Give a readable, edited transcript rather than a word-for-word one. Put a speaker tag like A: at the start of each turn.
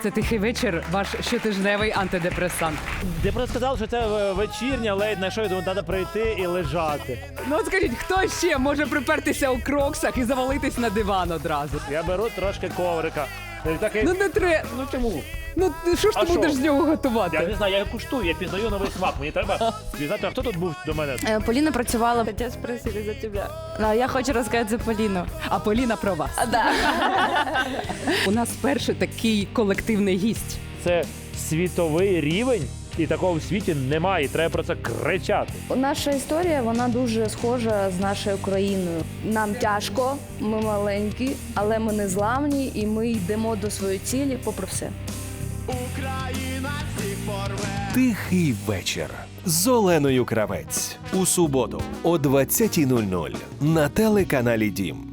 A: Це тихий вечір, ваш щотижневий антидепресант.
B: Я просто сказав, що це вечірня лейт-найт шоу, тому треба прийти і лежати.
A: Ну от скажіть, хто ще може припертися у кроксах і завалитись на диван одразу?
B: Я беру трошки коврика. І такий,
A: Ну не треба.
B: ну чому?
A: Ну що ж
B: А
A: ти
B: що?
A: будеш з нього
B: Я
A: готувати?
B: не знаю, я куштую, я пізнаю новий смак. Мені треба пізнати, а хто тут був до мене?
C: Полина працювала.
D: Хотя спросили за тебя.
C: Я хочу розказати за Поліну.
A: А Поліна про вас.
C: Да.
A: У нас перший такий колективний гість.
B: Це світовий рівень, і такого в світі немає, і треба про це кричати.
E: Наша історія, вона дуже схожа з нашою країною. Нам тяжко, ми маленькі, але ми не зламні і ми йдемо до своєї цілі попри все.
F: Тихий вечір з Оленою Кравець у суботу о 20:00 на телеканалі Дім.